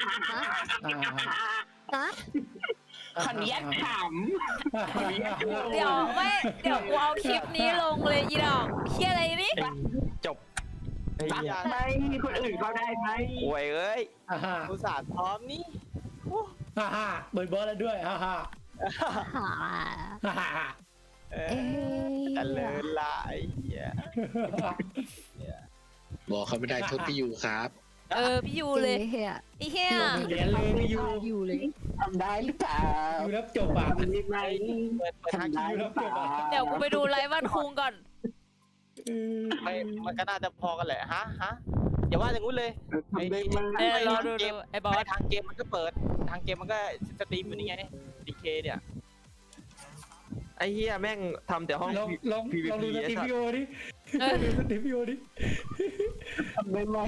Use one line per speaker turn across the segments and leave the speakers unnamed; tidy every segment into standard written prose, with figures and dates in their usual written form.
ฮะ
ขออนุญาตถาม
เดี๋ยวกูเอาคลิปนี้ลงเลยอีดอกเฮียอะไรนี่
จบ
รักไหมคนอื่นเขาได้ไหม
โวยเอ้ย
อุตส่าห์พร้อมนี่
เบิร์ดแล้วด้วยฮ่า
หา
เอ
เอ๊
อแต่เลินละไอ้เหี้ย
บอกเขาไม่ได้โทษพี่ยูครับ
พี่ยูเลยเฮียไอ้เฮีย
เหรียญเลยไม่อยู่
ยูเลย
ทำได้หรือเปล่า
อยู่แล้วจบอ่ะ
ทำได้ไหม
เปิดทาง
ทำได้หรือเปล่า
เดี๋ยวกูไปดูไลฟ์วันคุงก่อน
ไม่มันก็น่าจะพอกันแหละฮะอย่าว่าอย่างงู้นเลย
ทำได้ไหม
รอดูไอ้บอส
ทางเกมมันก็เปิดทางเกมมันก็สตรีมอยู่นี่ไงดีเคเนี่ย
ไอ้เหี้ยแม่งทำแต่ห้อง
ลองดูสตรีมวิดีโอดิดูสตรีมวิดีโอดิ
ทำได้ไหม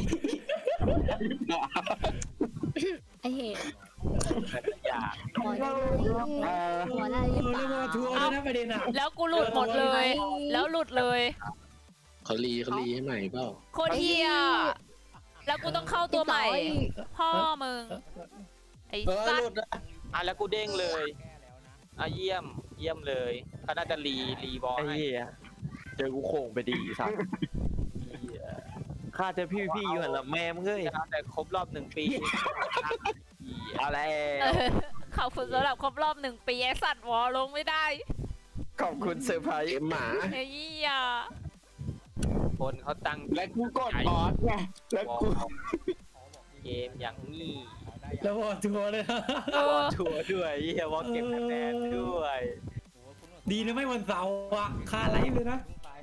ไอ้เหี้ย
อย่า
หัวได้หัวได้หรือเป
เรียกว่าทัวร์
ล่า
เลยนะประเด็นอ่ะ
แล้วกูหลุดหมดเลย แล้วหลุดเลย
เขารีให้ใหม่เปล่า
โคตรเฮียแล้วกูต้องเข้าตัวใหม่ พ่อมึง ไอ้สัตว์
แล้วกูเด้งเลยเยี่ยมเลยเขาน่าจะรีบอล
ไอ้
ให้
เหี้ยเจอกูโค้งไปดีสัตว์ข้าเจอพี่อยู่หันละแม่มึงเอ้ย
แต่ครบรอบ1 ปี
อะไร
ขอบคุณสำหรับครบรอบ1 ปีไอ้สัตว์วอลงไม่ได้
ขอบคุณเซอร์ไพรส์
เกมหมา
ไอ้เหี้ย
คนเขาตั้ง
และกูกดบอสไงแล้วกู
เกมอย่างนี้
แล้ววอทัวร์เลยนะ
ทัวร์ด้วยเฮียวอลเก็บคะแนนด้วย
ดีนะไม่วันเสาร์อ่ะคาไลฟ์เลยนะ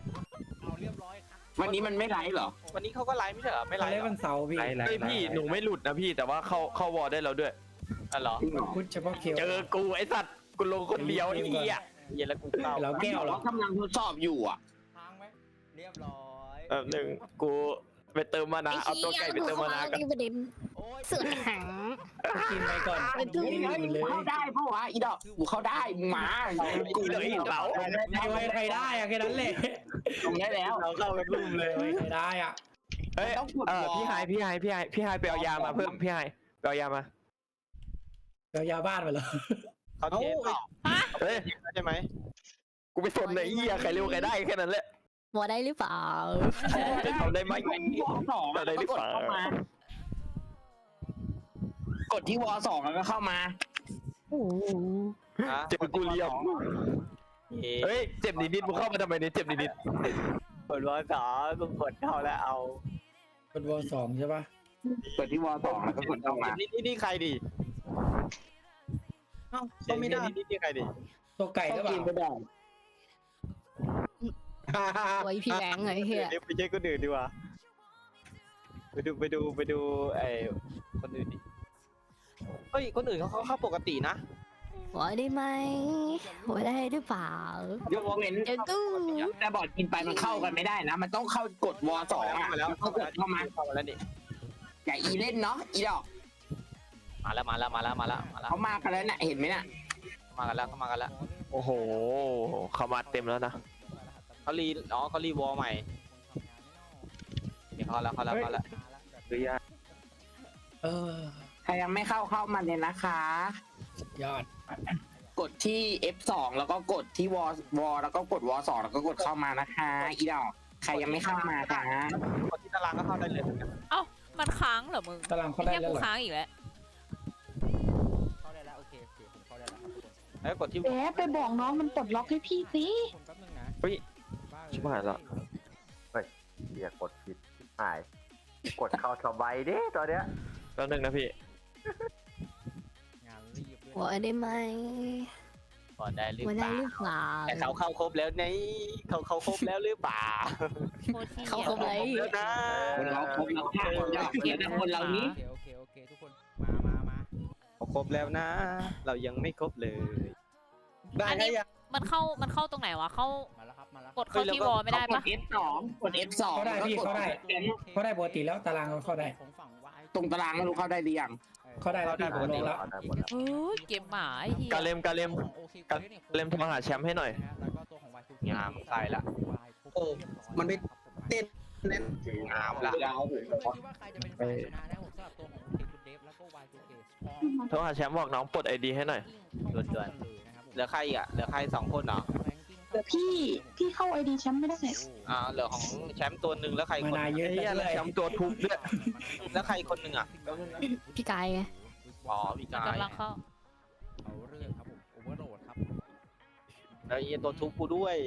วันนี้มันไม่ไลฟ์เหรอ
วันนี้เขาก็ไลฟ์ไม่ใช่เหรอไม่ไล
คาไล
ฟ์
ฟ์วันเสาร์พี่
เฮ้ยพี่หนูไม่หลุดนะพี่แต่ว่าเข้าวอลได้แล้วด้วย
เหรอ
พูดเฉพาะเคียว
เจอกูไอ้สัตว์กูลงคนเดียวไอ้เหี้ย
เย็นแล้วกูเข้า
เราแก้วเหรอ
กำลังทดสอบอยู่อ่ะ
เรียบร้อย
หนึ่งกูไปเติมมานะเอาตัวไก่ไปเติมมานะกัน
ประเด็นเสือหาง
กินไปก่อน
ไปดู
ไม่ได้อื่นเลย
เข้าได้เพราะว่าอีดอกกูเข้าได้มึงมา
กูเลยเปล่า
ใครได้อะแค่นั้นแหละ
ตรงนี้แล้ว
เราเข้ากันรุ่มเลย
ใครได้อ่ะ
เฮ้ยพี่ไฮไปเอายามาเพิ่มพี่ไฮไปเอายามา
เรายาบ้านไปเหรอ
เขาเทปเปล่า
เฮ้ย
ใช่ไหม
กูไปสนไหนเหี้ยใครเร็วใครได้แค่นั้นแหละ
วอได้หรือเปล่า
จะทำได้ไหม
วอสอง
อะไรหรือเปล่า
กดที่วอสองแล้วก็เข้ามา
เจ็บกูเรียบเฮ้ยเจ็บนิดๆมึงเข้ามาทำไมเนี่ยเจ็บนิด
กดวอลสองกูกดเข้าแล้วเอา
เป็นวอสองใช่ปะ
กดที่วอสองแล้วก็กดเข้ามา
นี่ใครดิเอ้าก็ไม่ได้นี่ใครดิ
ตัวไก่หรือเปล่า
ไม่ได้
ไว้พี่แบงค์ไอ้เหี้ย
เดี๋ยวไปเช็คคนอื่นดีกว่าไปดูไอ้คนอื่นดิเฮ้ยคนอื่นเขาเข้าปกตินะ
วอได้ไหมวอได้หรือเปล่าย
กเว้น
เดี๋ยวตู้
แต่บอดกินไปมันเข้ากันไม่ได้นะ มันต้องเข้ากดวอสองอ่ะ
มาแล้ว
ก็กดเข้ามา
แล้วนี่
อย่าอีเล่นเนาะอีดอก
มาแล้ว
เขามากันแล้วน่ะเห็นไหมน่ะ
มากันแล้ว
ๆโอ้โหเขามาเต็มแล้วนะ
เขารีวอลใหม่นี่เขาแล้ว
หรือยา
เออ
ใครยังไม่เข้ามาเลยนะคะ
ยอด
กดที่ F2 แล้วก็กดที่วอแล้วก็กดวอ2แล้วก็กดเข้ามานะคะอีดอกใครยังไม่เข้ามาจ้า
คนที่ตารางก็เข้าได้เลยเหมือนกัน
เอ้ามันค้างเหรอมึง
ตารางเขาได้
ไอ้
แล้ว
กู
เหรอ
ค้างอีกแล้ว
เข้าได้แล้วโอเคผมเข้าได้แล้วครับแล้วกดที่
แหมไปบอกน้องมันปลดล็อกให้พี่สิ
ผมแป๊บนึงนะ
ชิบหายละ
เรียกกดผิดหาย กดเข้าสบายดิตอนเนี้ย
แป๊บนึงนะพี่
งานรีบ
วอได้ไหม
ก่อนได้หรือ
วอ
เป
ได้
ล่า
หรือเปล่า
แต่เขาเข้าครบแล้วนี่เขาครบแล้วหรือเปล่า
เขาครบเลย
แล้วนะ
คนเราครบแล้วค่ะอยากเก็บนะคนเรานี้
โอเคทุกคนมาเขาครบแล้วนะ เรายังไม่ครบเลย
อันนี้มันเข้าตรงไหนวะเข้ากดเข้าที่วอไม่ได้
ก
ปะ
ด F2 กด F2
เขาได้พี่เขาได้ เขาได้ปกติแล้วตารางเขาเข้าได้
ตรงตารางไม่รู้เข้าได้หรือยัง
เขาได้แล้วพี่ผมลงแล้ว
ได้หมดแล้ว
โอ้ยเกมหมาไอ้เหี้ย
กาเลมโทรหาแชมป์ให้หน่อย
งามใส่ละ
โอ้มันไม่เต้นเน้น
งามละ
เรา
คิดว่าใครจะเป็นฝ่ายชนะนะผมสำหรับตัวของคุณเดฟแล้วก็วาย
โทรหาแชมป์บอกน้องปลดไอดีให้หน่อย
ด่วนๆเหลือใครอีกอ่ะเหลือใคร2 คนเหรอ
เดี๋ยวพี่เข้าไอดีแชมป์ไม่ได้
เหลือของแชมป์ตัวหนึ่งแล้วใคร
มา
คน
นาเย
ไอ้
อะ
เหี้ย
เล
แล้ว
ย
แชมป์ตัวทุบด้วย
แล้วใครคนหนึ่งอ่ะ
พี่กายไง
อ๋อพี่กาย
กำลังเข้า
เอาเรื่องครับผมโอเวอร์โหลดครับ
แล้วไอ้ตัวทุบกูด้วย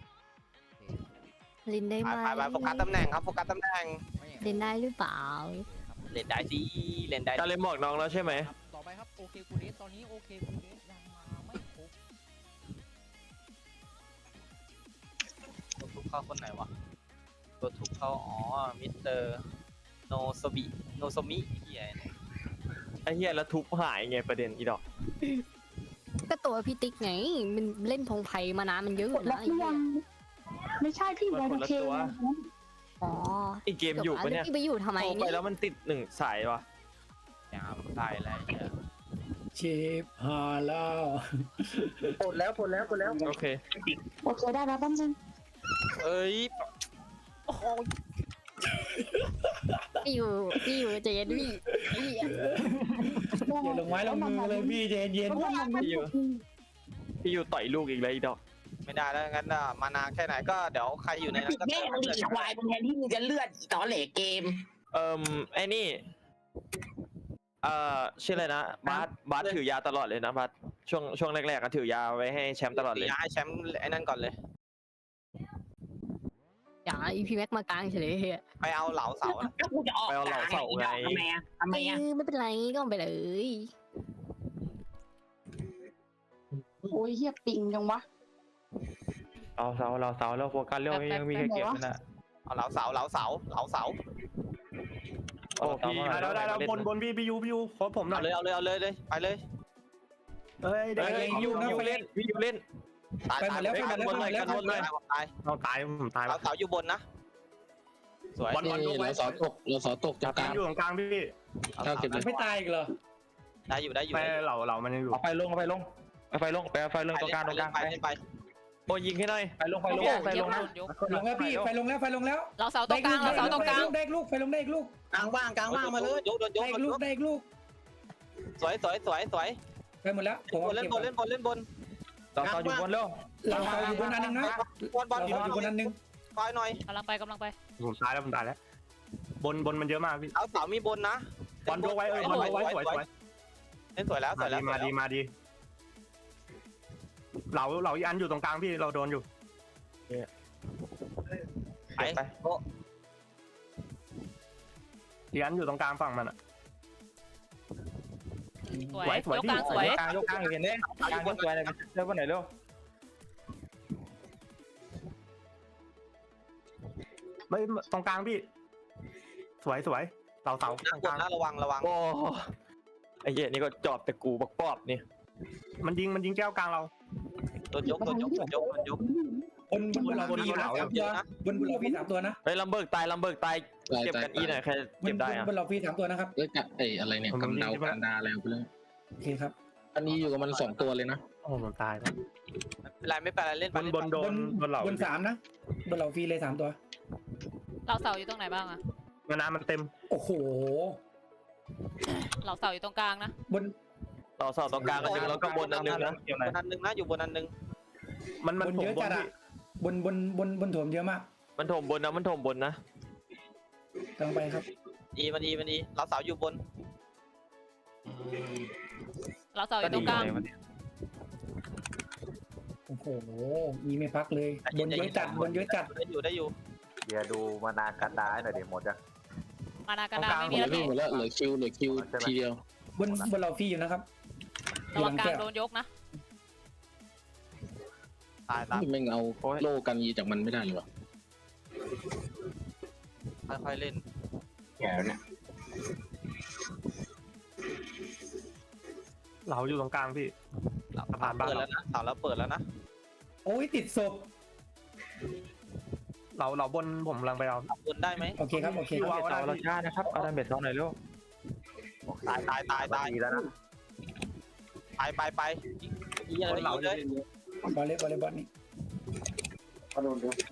ลินได้ไหม
ไปโฟกัสตำแหน่งครับโฟกัสตำแหน่ง
ลินได้หรือเปล่า
เล่นได้สิเล่นได้
การเล่นบอกน้องแล้วใช่ไหม
ครับต่อไปครับโอเคคูเดสตอนนี้โอเคคูเดสยังมาไม่ครบ
ตัวทุบเข้าคนไหนวะตัวทุบเข้าอ๋อมิสเตอร์โนโซบิโนโซมิเฮียเนี่ย
ไอ้เหี้ยแล้วทุบหายไงประเด็นอีดอก
ก็ตัวพี่ติ๊กไง มันเล่นพงไพ่มานานมันเยอะ
กดล็อกหรือยังไม่ใช่พี่
มัน
ไว
คน
โอ
ละ
เค
ตัว
อ๋อ
อีกเกมอยู่ปะเนี่ย
พี่ไปอยู่ทำไม
โทรไป
นี่
แล้วมันติด1 สายวะ
ยามตายแล้วเฮีย
ชิปฮาแล้ว
ปลดแล้ว
โอเค
โอเคได้แล้วแป๊บนึง
เอ้ย
พี่อยู่ใจเย็นพี่
อย่าลงไม้ลงมือเลยพี่ใจเย็น
เพราะว่ามัน
พี่อยู่ต่อยลูกอีกเลยอีดอก
ไม่ได้แล้วงั้นมานานแค่ไหนก็เดี๋ยวใครอยู่ในนั้นก็
แม่มึงดิควายมึงแทนที่มึงจะเลือดอีตอเหล่เกม
ไอ้นี่ชื่ออะไรนะบาสถือยาตลอดเลยนะบาสช่วงแรกๆก็ถือยาไว้ให้แชมป์ตลอดเลย
ย้ายแชมป์ไอ้นั่นก่อนเลย
อย่าอีพีแม็กมากลางเฉยเฮีย
ไปเอาเหลาเสานะ
ก็กูจะออก
ไปเอาเหล่าเสาไง
ทำไมอ่ะ
ไม่เป็นไรก็เอาไปเลย
โอ้ยเฮียปิงจังวะ
เราเสาแล้วโฟกัสเรื่องยังมีแค่เกมนั่นแหละ
เอาเหลาเสา
โอ้พี่
ได้แล้วบนพี่ยูโค้ชผมหน่
เอา
อย
เลยไปเลย
เฮ้ย
เฮ้ยพี่ยูเล่น
ตาย
กันหมดเลย
ตาย
เราตายผมตาย
เหลาเสาอยู่บนนะสวย
เราสอตกตรงกลาง
อยู่ตรงกลางพี่
เข้าเก็บเลย
ไม่ตายอีกเหรอ
ได้อยู่
ไปเรามันยังอยู่
เอาไฟลงไปเอาไฟลงตรงกลาง
ไป
โอ้ยิงให้หน่อยไฟลงนะ
ลงแล้วพี่ไฟลงแล้ว
เราเสาตรงกลางเราเสาตรงกลาง
ได้ลูกไฟลงได้ลูก
กลางว่างมาเลยยก
ได้ลูกได้ลูก
สวย
ไปหมดแล้วผม
เล่นบน
เราต่ออยู่บนแล้ว
เราอยู่บนอันนึงนะ
บอล
เราอยู่บนอันนึง
คอยหน่อย
กำลังไป
ผมตายแล้วบนมันเยอะมากพี่
เอาเสามีบนนะ
บอลยกไว้บอลยกไว้สวย
เล่นสวยแล้ว
มาดีเราอีอันอยู่ตรงกลางพี่เราโดนอยู่
ไป
อีอันอยู่ตรงกลางฝั่งมันอ่ะ
สวยยกกลางสวย
ยกกลางเห็นไหมกลางยกสวยเลยเร็ววันไหนเร็ว
ไม่ตรงกลางพี่สวยเราเสาตรงกลาง
ระวัง
โอ้ไอ้เหี้ยนี่ก็จอบแต่กูบักปอบนี่
มันยิงแก้วกลางเรา
โดนยก
บนเราพี่3ตัวนะ
เฮ้ยลำเบิกตายเก็บกันอีหน่อยใครเก็บได้อะ
บนเราพี่3ตัวนะครับ
เอ้ยกับอะไรเนี่ยกำเดากันดาอะไรไปเลย
โอเคครับ
อันนี้อยู่กับมัน2 ตัวเลยนะ
โอ้ผมตายแล้ว
ไม่เป็นไรเล่น
บนโดนเรา
บน3นะบนเราพี่เลย3ตัว
เราเสาอยู่ตรงไหนบ้างอะ
น้ำมันเต็ม
โอ้โห
เราเสาอยู่ตรงกลางนะ
บน
ต่อเสาตรงกลางอันนึงแล้วก็บนอันนึงนะ
บนอันนึงนะอยู่บนอันนึง
มัน
เยอะจัดอะบนถมเยอะมาก
มันถมบนนะ
กำลังไปครับ
ดีเราเสาอยู่บน
เราเสาอยู่ตรงกลาง
โอ้โหมีไม่พักเลยบนเยอะจัด
ได้อยู่
เดี๋ยวดูมานานกันดาหน่อยเดี๋ยวหมดจ้ะ
มานากระดาไม่มี
เหลื
แล้
อ
ว
วิ่ง
พี่
หมดแล้วเหลือคิวทีเดียว
บนเราพี่อยู่นะครับ
ระวังกลางโดนยกนะ
ตาย
ไม่เอาโล่กันยีจากมันไม่ได้เลยวะ
ค่อยเล่น
แก่เนี่ย
เราอยู่ตรงกลางพี่
ผ่านเปิดแล้วนะเสาแล้วเปิดแล้วนะ
โอ้ยติดศพ
เราบนผมกำลังไปเอา
บนได้ไหม
โอเคครับ
เราช้านะครับเอาดันเบ็ดเขาหน่อยเร็ว
ตาย
ดีแล้วนะ
ไปยิงอะไรยิงเลย
บอลเลยนี่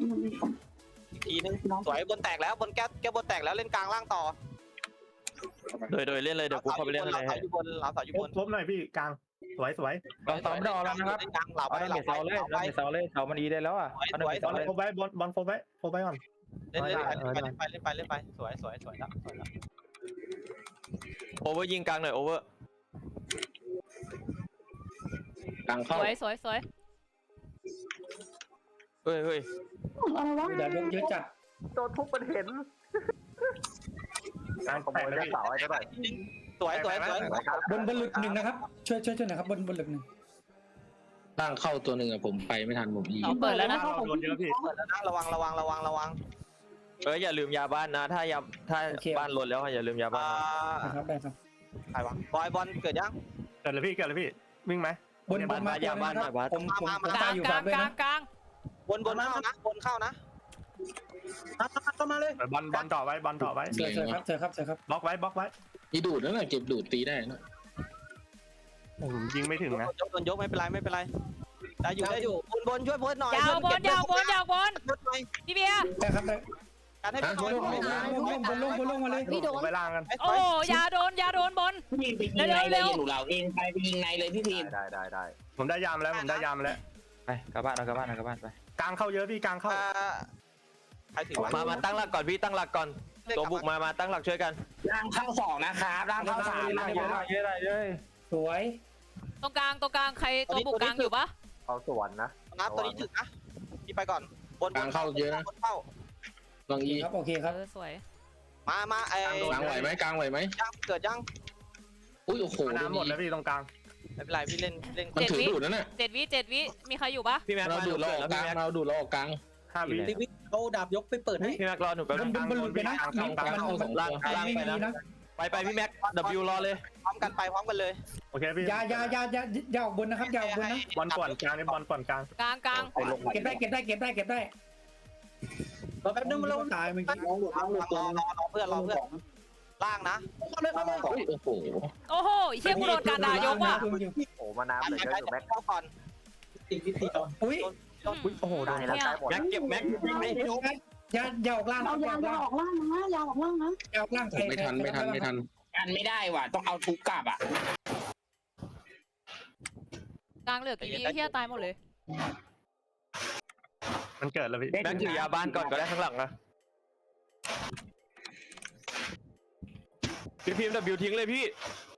ทีนึงสวยบนแตกแล้วบนแก้บนแตกแล้วเล่นกลางล่างต่อ
โดยเล่นเลยเดี๋ยวกูเข้าไปเล่น
ห
เล
ลาย สาวอยู่บนหลาสาวอยู่บน
ครบหน่อยพี่กลางสวย
ตอนไม่ได้แล้วนะครับ
กลางเหลาไป
เอา
เหลา
เมเสาเลย
ไป
เสาเลยเสามันดีได้แล้วอ่ะ
สวย
บอลโฟไว้บอลโฟไว้ก่อน
เล่นไปสวยแล้ว
โอเวอร์ยิงกลางหน่อยโอเวอร์
กลาง
ส
เข้า
วยสวยสวย
เฮ้ย
อะไรวะ
อย่าลงเยอะจัด
โดนทุบมันเห็น
กลาง
ขโมยเลือดเสาไอ้เท่าไหร่
สวย
บนหลุดหนึ่งนะครับช่วยหน่อยครับบนหลุดหนึ่ง
ล่างเข้าตัวหนึ่งอะผมไปไม่ทันผมอี
เอาเปิดแล้วนะ
โดนเยอะพี่
เปิดแล้วนะระวัง
อย่าลืมยาบ้านนะถ้าบ้านหล่นแล้วอย่าลืมยาบ้าน
นะครับได้ครับ
ใครวะบอยบอลเกิดยัง
เกิดเลยพี่วิ่งไหมบนมาตัวนึงครับผม
กลาง
ตายอยู่
ก
ฝา
ลาก ง
ด้วย
กลา
นะ
งกลาง
บนเข้านะ
บอลต่อไว้เจอครับ บล็อกไว้
มีดูดนั่นแหละเก็บดูดตีได้นะ
ยิงไม่ถึงนะ
โดนยกไม่เป็นไรได้อยู่บนช่วยเพื่อนหน่อย
ยาวบนพี่เบียร์
ได้ครับได้
การให้เพื่อนหน่อย
บนลงมาเลย
พี่โดน
ไปล่างกัน
โอ้ยาโดนบน
พี่ไปยิงในเลยหนูเราเองไปยิงในเลยพี่พิม
ได้
ผมได้ยามแล้ว
ไปกลับบ้านไป
กลางเข้าเยอะพี่กลางเข้า
ใครถือวะ
มาตั้งหลักก่อนพี่ตั้งหลักก่อนตัวบุกมาตั้งหลักช่วยกัน
ร่างเข้า2นะครับร่างเข้า3นะครับ
เยอะเลย
สวย
ตรงกลางใครตัวบุกกลางอยู่ปะ
เอาสวนนะ
นะตัวนี้ถึงนะพี่ไปก่อนบนเข้า
ลองอี
ครับโอเคครับ
สวย
มาไอ้
กลางไหวไหม
ยังเกิดยัง
อุ้ยโอ้โห
น้ำหมดแล้วพี่ตรงกลาง
ไม่เป็นไรพี่เล่น
มันถือดูดนั่นน่ะ
7 วิมีใครอยู่ปะ
พี่แม็ก
เราดูดเราออกกลางเราดูดเราออกกลาง
5 วิ
เอาดาบยกไปเปิดให้
พี่แม็กรอหนูแป๊บนึง
บนหลุดไปนะ
ล่างไปนะไปพี่แม็ก W รอเลย
พร้อมกันเลย
โอเคพี่ยาออกบนนะครับยาออกบนนะบอลป่อนกลางนี่บอลป่อนกลาง
กลาง
เก็บได้
รอแป๊บนึงมาลง
ตายเมื่อกี้
รอเพื่อนล่างนะ
โอ้โห
โอ้โหเชี่ยกูโดนการด่ายกว่ะ
โอ้มาน้ำเลยเยอะอยู่แม็ก
เข้าก่อน
ติดวิธีก่อน
อุ้ยโอ้โห
ได้แล้วใกล้หมด
แม็กเก็บแม็ก
ยาออกล่าง
เอายาวออกล่างนะยาวออกล่างนะ
ยาออกล่าง
ไม่ทัน
กันไม่ได้ว่ะต้องเอาทุกกลับอ่ะ
กลางเหลือกี่วิเฮียตายหมดเลย
มันเกิดแล้วพี่
แม็กถือยาบ้านก่อนก็ได้ข้างหลังนะพี่พิมพ์ W ทิ้งเลยพี่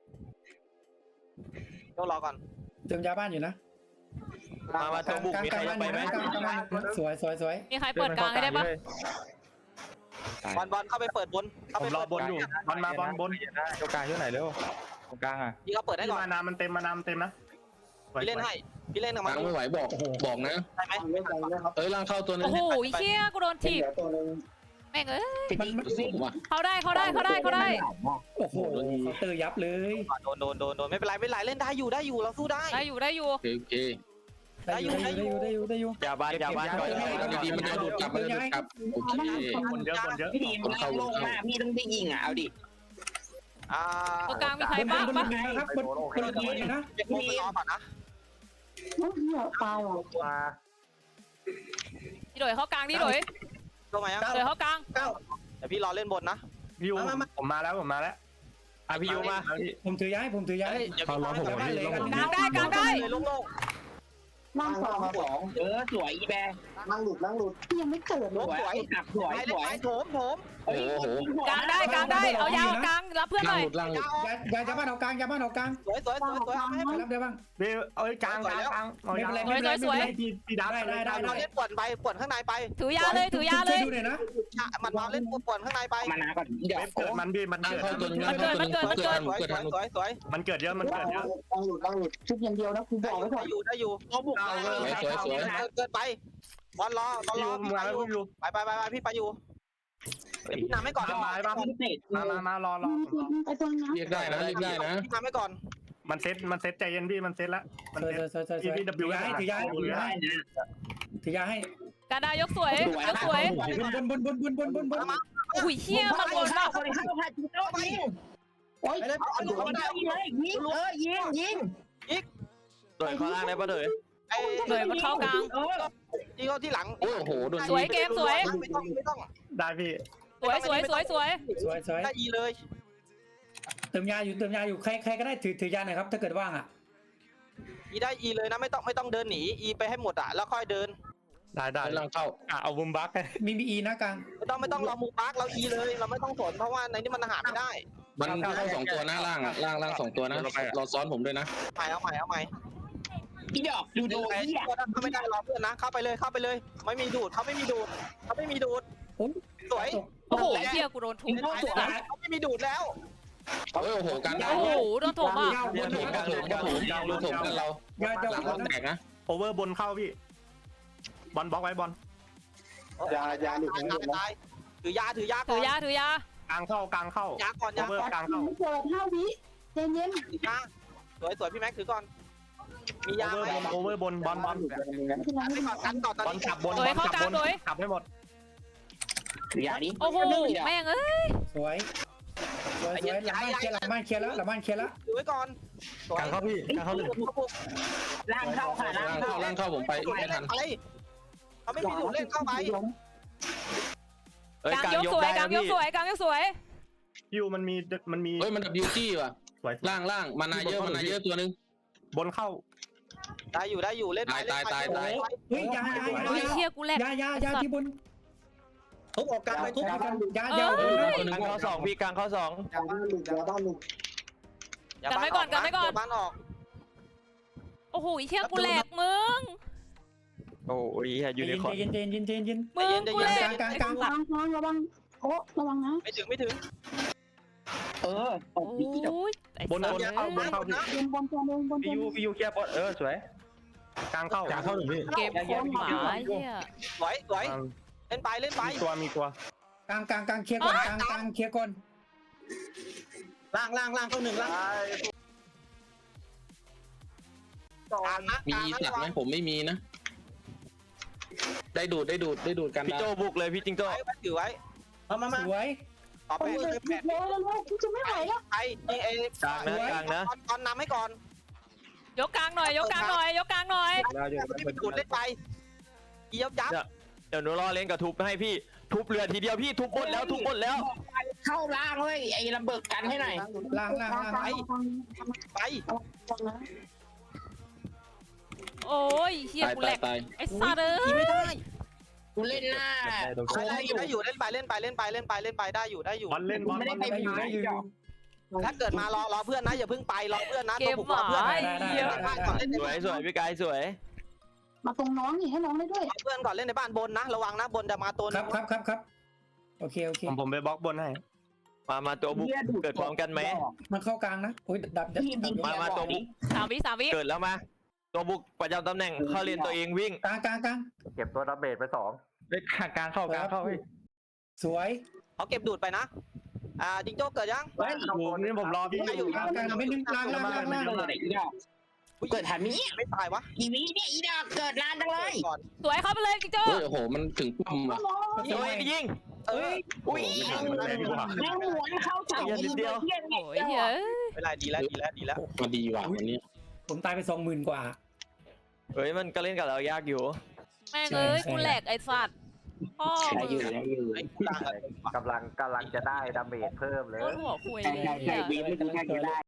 ต้องรอก่อน
เติมยาบ้านอยู่นะ
มาตัวบุกมีใครจะไปไหม
สวย
มีใครเปิดกลางให้ได้ปะ
บอลเข้าไปเปิดบน
ผมรอบนอยู่บอลมาบอลบน
ตัวกลางที่ไหนเร็วตรงกลางอ่ะ
พี่เขาเปิดได้ก่อน
มานามันเต็มนะ
พี่เล่นกับ
ก
มัน
ลางไม่ไหวบอกนะ
ได้ไหม
ล่างเข้าตัวนึ
โอ้
ง
โหเชี่ยกูโดนถีบแม่งเอ้ย
มันว่ะ
เขาได้
โอ้โหเขาเตอร์ยับเลย
โดนไม่เป็นไรเล่นได้อยู่เราสู้ได้
ได้อยู่
โอเค
ได้อยู่
ยาบ้านก่อน
ดีมันจะดูดกลับโอเค
คนเยอะ
พี่พิมเข้าลงมาพี่ต้องได้ยิงอ่ะเอาดิ
ตรงกลางมีใครบ้างปะ
ครับบนนะ
พี่รอก่อนนะ
โอ้ยเหี้ยตายว่ะ
มา
พี่โดยเข้ากลางพี่โดย
ลงมายัง
โดยเข้ากลาง
เดี๋ยวพี่รอเล่นบนนะ
พี่ยูผมมาแล้ว
พี่ยูมา
ผมถือย้าย
เขาล้อผม
กลางได้
โล่ง
ล่างสอง
สวยอีแบร์
พี่ยังไม่เกิด
ๆ
เล
ล
ย
งสวย
กลับสวย
ไปโถม
โอ้โห
กลางได้เอายาวกลางรับเพื่อนหน่อย
ล่างหลุด
ยาบ้านเอากลาง
สวยเอาให้
รับได้บ้าง
พี่เอ้ยกลาง
ไม่เป็นไรพี่ดาวได้
เราเล่นป่วนข้างในไป
ถือยาเลย
ช่วยดูหน่อยนะ
มันมาเล่นป่วนข้างในไป
มานาก่อนเดี๋ยว
เกิดมันพี่มัน
ล่าง
เกิด
เข้าตัวนึง
สวย
มันเกิดเยอะ
ชุดอย่างเดียวนะคุณบอกไว้ก่อน
ได้อยู่เขาบุกเกิดไปบอลรอไปพี่ไปอยู่เดี๋ยวพี่นำให้ก่อน
มารอ
ไปตรงนั้น
เรียกได้นะ
พี่นำให้ก่อน
มันเซ็ตใจเย็นพี่มันเซ็ตแล้วมันเซ็ตพี่ดับย้ายถือยาให้
การดายกสวย
บน
อุ้ยเชี่ยมันบนมาก
โอ้ย
โดยข้างล่างได้ปะโดย
เลยมันเข้ากลาง
ที่เขาที่หลัง
โอ้โหโดน
สวยเกมสวย
ไม่ต้อง
ได้พี่
สวย
สวย
ได้ยีเลย
เติมยาอยู่ใครก็ได้ถือยาหน่อยครับถ้าเกิดว่างอ่ะ
อีได้อีเลยนะไม่ต้องเดินหนีอีไปให้หมดอ่ะแล้วค่อยเดิน
ได้ได้
กำลังเข้า
เอาบุมบัก
มีอีนะกลาง
ไม่ต้องเรามูปาร์กเราอีเลยเราไม่ต้องสนเพราะว่าในนี้มันหาไม่ได้
มันเข้า2 ตัวนะล่างอ่ะล่าง2 ตัวนะรอซ้อนผมด้วยนะ
เอาใหม่
อีดอกดูโดนเหี้ย
เข้าไม่ได้รอเพื่อนนะเข้าไปเลยไม่มีดูดเขาไม่มีดูดสวย
โอ้โหเฮียกูโดนทุบ
เขาไม่มีดูดแล้ว
โอ้โหการได้
โอ้โหโดนทุบอ่ะ
ก็ถูกกันเรา
ยา
หลังเราแตกนะ
โอเวอร์บนเข้าพี่บอลบล็อกไว้บอล
ยาหลุด
ตายถือยา
ถือยา
กลางเข้ากลางเข้าย
าก่อน
โอเวอร์กลางเข้า
ไม่เกิด5 วิเย็น
ยาสวยพี่แม็กถือก่อนมียาไหม
โอเวอร์บนบอล
กันต่อตอน
บอล
นี้
ขับบน
โดยเข้ากลางโดย
ขับให้หมด
ถือยาดิ
โอ้โหแม่งเอ้ย
สวยหลังบ้านเคลียร์แล้ว
ถือไว้ก่อน
กลางเข้าพี่กลางเข้าเลย
ล่างเข้าค่ะล่างเข้า
ล่างเข้าผมไปไม่ทัน
ไปเขาไม่มีดูดเล่นเข้าไป
กลางยกสวยกลางยกสวย
พิวมันมี
เฮ้ยมันบิวตี้ว่ะ
สวย
ล่างมานาเยอะตัวนึง
บนเข้า
ได้อยู่เล่นไป
เฮ้ยยา
โอ้ยเฮียกูแหลก
ยาที่บน
ทุบออกกลางไปทุบ
ยา
กลางเข้า2พี่กลางเข้า2
ยาบ้านหลุด
กันไว้ก่อน
บ้านออก
โอ้โหเฮียกูแหลกมึง
โอ้ยยูนิคอร์น
เย็น
มึงกูแหลก
ๆระวังโอ้ระวังนะ
ไม่ถึง
โอ้ย
บนเข้าพี่
เย็นบนตัวนึงบนตัว
พี่ยูเคลียร์บอลสวยกลางเข้าหนึ่งพี่
เกมโคตรหมาเฮีย
สวยเล่นไป
มีตัว
กลางเคลียร์ก่อนกลางเคลียร์ก่อน
ล่างเข้า1ล่าง
มีสัตว์ไหมผมไม่มีนะ ได้ดูดกัน
พี่โจบุกเลยพี่จิงโจ้
ถือไว้
มา
สวย
ต่อไป
เร็วกูจะไม่ไหวแล้ว
ไอ้
กลางนะ
ตอนนำให้ก่อน
ยกกลางหน่อย
มีดูดเล่นไปยับ
เดี๋ยวหนูรอเล่นกับทุบให้พี่ทุบเรือทีเดียวพี่ทุบบนแล้ว
เข้าล่างเลยไอ้ระเบิดกันให้หน่อย
ล่าง
ไป
โอ้ยเฮียกูแหลก
ตาย
ไอ้สัตว์เอ้ย
ไม่ได้
กูเล่นหน้า
ได้อยู่เล่นไปได้อยู่
บอลเล่นบอล
ได้อยู่
ถ้าเกิดมารอเพื่อนนะอย่าเพิ่งไปรอเพื่อนนะ
เก
ตัว
ม
บุก
ห
รอ
มา
เพื่อน
เฮีย
สวยพี่กายสวย
มาตรงน้องนี่ให้น้องได้ด้วย
เพื่อนก่อนเล่นในบ้านบนนะระวังนะบนจะมาตัว
ครับโอเค
ผมไปบล็อกบนให้มาตัวบุกเกิดพร้อมกันไหม
มันเข้ากลางนะโอ้ยดับ
มาตัวบุก
3 วิ
เกิดแล้วมาตัวบุกประจำตำแหน่งเข้าเรียนตัวเองวิ่ง
กลาง
เก็บตัวดาเมจไป2
กลางเข้า
สวย
เขาเก็บดูดไปนะจิงโจ้เกิดยัง
นี่ผมรอพี่
กลางไม่นึงล่าง
เกิดทันนี้
ไม่ตายวะ
อีวีเนี่ยอีดอกเกิดนานจังเลย
ก่อน
สวยเข้าไปเลยจิ๊กโจ้
เฮ้ยโอ้โหมันถึงปุ่มอ่ะ
ยิง
อุ้ยแม่งหวนเข้าเสาอีเดียว
โอ้ยเฮีย
เวลาดีแล้ว
มาดีว่ะวันนี้
ผมตายไป 20,000 กว่า
เฮ้ยมันก็เล่นกับเรายากอยู่
แม่งเอ้ยกูแหลกไอ้สัตว์พ่อมึง
กำลังจะได้ดาเมจเพิ่มเลย
โคตรหัวคุยเลย
ใช่วีไม่ได้